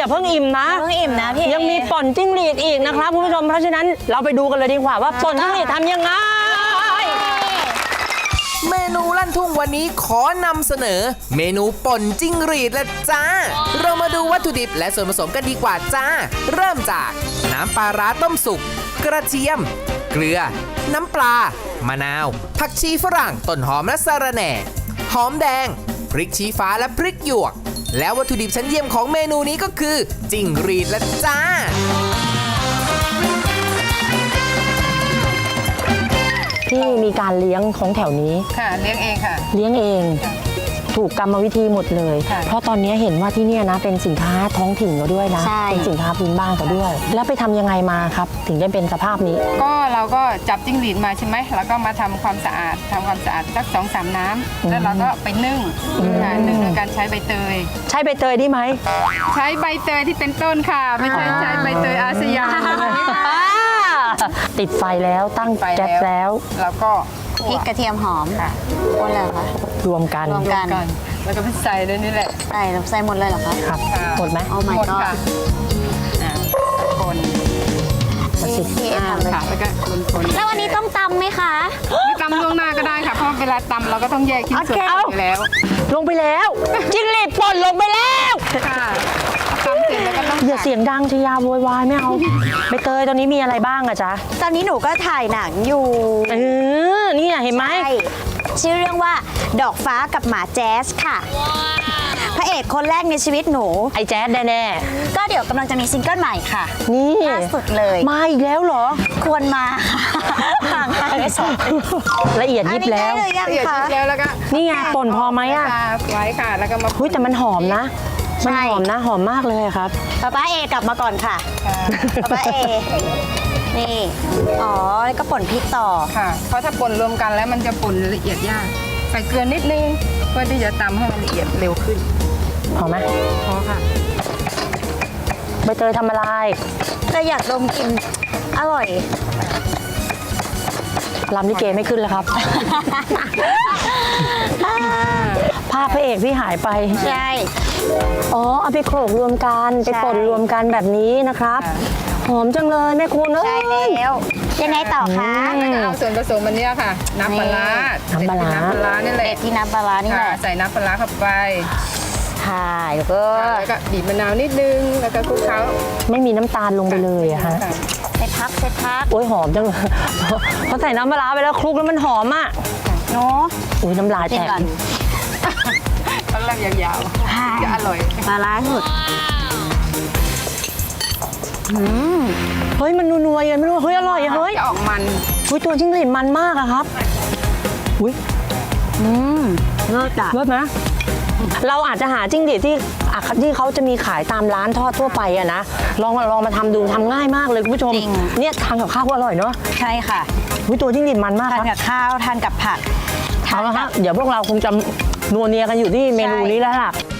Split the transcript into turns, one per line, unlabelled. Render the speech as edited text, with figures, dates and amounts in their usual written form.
เพิ่งอิ่มนะ
พี่
ยังมีป่นจิ้งหรีดอีกนะครับคุณผู้ชมเพราะฉะนั้นเราไปดูกันเลยดีกว่าว่าป่นจิ้งหรีดทำยังไง
เมนูลั่นทุ่งวันนี้ขอนำเสนอ เมนูป่นจิ้งหรีดและจ้าเรามาดูวัตถุดิบและส่วนผสมกันดีกว่าจ้าเริ่มจากน้ำปลาร้าต้มสุกกระเทียมเกลือน้ำปลามะนาวผักชีฝรั่งต้นหอมและสะระแหน่หอมแดงพริกชี้ฟ้าและพริกหยวกและวัตถุดิบชั้นเยี่ยมของเมนูนี้ก็คือจิ้งหรีดและจ้า
ที่มีการเลี้ยงของแถวนี้
ค่ะเลี้ยงเองค่ะ
เลี้ยงเองถูกกรรมวิธีหมดเลยเพราะตอนนี้เห็นว่าที่นี่นะเป็นสินค้าท้องถิ่นก็ด้วยนะเป็นสินค้าพื้นบ้านก็ด้วย แล้วไปทำยังไงมาครับถึงได้เป็นสภาพนี้
ก็เราก็จับจิ้งหรีดมาใช่ไหมแล้วก็มาทำความสะอาดสัก2-3 น้ำแล้วเราก็ไปนึ่งนึ่งโดยการใช้ใบเตย
ใช้ใบเตยได้ไหม
ใช้ใบเตยที่เป็นต้นค่ะไม่ใช่ใช้ใบเตยอาสยาม
ติดไฟแล้วตั้งแก๊สแล้ว
แล้วก็
พริกกระเทียมหอมค่ะคนเลยเหรอคะ
รวมกัน
แล้วก็ใส่เลยนี่แหละ
ใส่หมดเลยเหรอคะ
ครับหมดไหม
เอาใหม่ก็
คนค่ะแล้วก็คน
แล้ววันนี้ต้องตำไหมคะ
ไม่ตำล่วงหน้าก็ได้ค่ะเพราะเวลาตำเราก็ต้องแยกชิ้นส่วนไปแล้ว
ลงไปแล้วจิ้งหรีดป่นลงไปแล้ว
ค่ะตำเสร็จแล้วก็ต้อง
อย่าเสียงดังชยาโวยวายไม่เอาใบเตยตอนนี้มีอะไรบ้างอะจ๊ะ
ตอนนี้หนูก็ถ่ายหนังอยู่
นี่เห็นไหม
ชื่อเรื่องว่าดอกฟ้ากับหมาแจ๊สค่ะพระเอกคนแรกในชีวิตหนู
ไอ้แจ๊สแน่
ๆก็เดี๋ยวกำลังจะมีซิงเกิลใหม่ค่ะ
นี่
ล่าสุดเลย
มาอีกแล้วเหรอ
ควรมาห่างไป2
ละเอียดยิบแล้ว
ละเอียดยิบแล้วก็
นี่ไงป่นพอไหมอะ
ไว้ค่ะแล้วก็มา
แต่มันหอมนะมันหอมนะหอมมากเลยครับ
ป้าเอกลับมาก่อนค่ะป้าเอนี่แล้วก็ป่นพริกต่อ
ค่ะเพราะถ้าป่นรวมกันแล้วมันจะป่นละเอียดยากใส่เกลือนิดนึงเพื่อที่จะตำให้มันละเอียดเร็วขึ้น
พอไหม
พอค่ะ
ใบเตยทำอะไร
ก็อยากดมกลิ่นอร่อย
ลำลิเกไม่ขึ้นแล้วครับภาพพระเอกที่หายไป
ใช่
เอาไปโขลกรวมกันไปป่นรวมกันแบบนี้นะครับหอมจังเลยแม่คุณ
ใช่แล้วยังไงต่อคะ
แล้วก็เอาส่วนผสมมันนี้ค่ะน้ำปลานี่แหละ
ที่น้ำปลานี่แหละ
ใส่น้ำปลาเข้าไป
ค่ะแล้วก็
บีบมะนาวนิดนึงแล้วก็คลุกเคล้า
ไม่มีน้ำตาลลงไปเลยอะฮะ
ใส่พัก
โอ้ยหอมจังเลยพอใส่น้ำปลาไปแล้วคลุกแล้วมันหอมอ่ะ
เนาะ
โอ้ยน้ำลายแตก
ต้องลำยาวๆจะอร่อย
ปลาสุด
เฮ้ยมันนัวๆยังไม่รู้เฮ้ยอร่อยเฮ้ย
จะออกมัน
ตัวจิ้งหรีดมันมากอะครับ
เลิศอะ
เลิศนะเราอาจจะหาจิ้งหรีดที่เขาจะมีขายตามร้านทอดทั่วไปอะนะลองมาทำดูทำง่ายมากเลยคุณผู้ชมเนี่ยทานกับข้าวก็อร่อยเนาะ
ใช่ค่ะ
ตัวจิ้งหรีดมันมาก
ทานกับข้าวทานกับผัก
เอาละฮะเดี๋ยวพวกเราคงจะนัวเนียกันอยู่ที่เมนูนี้แล้วล่ะ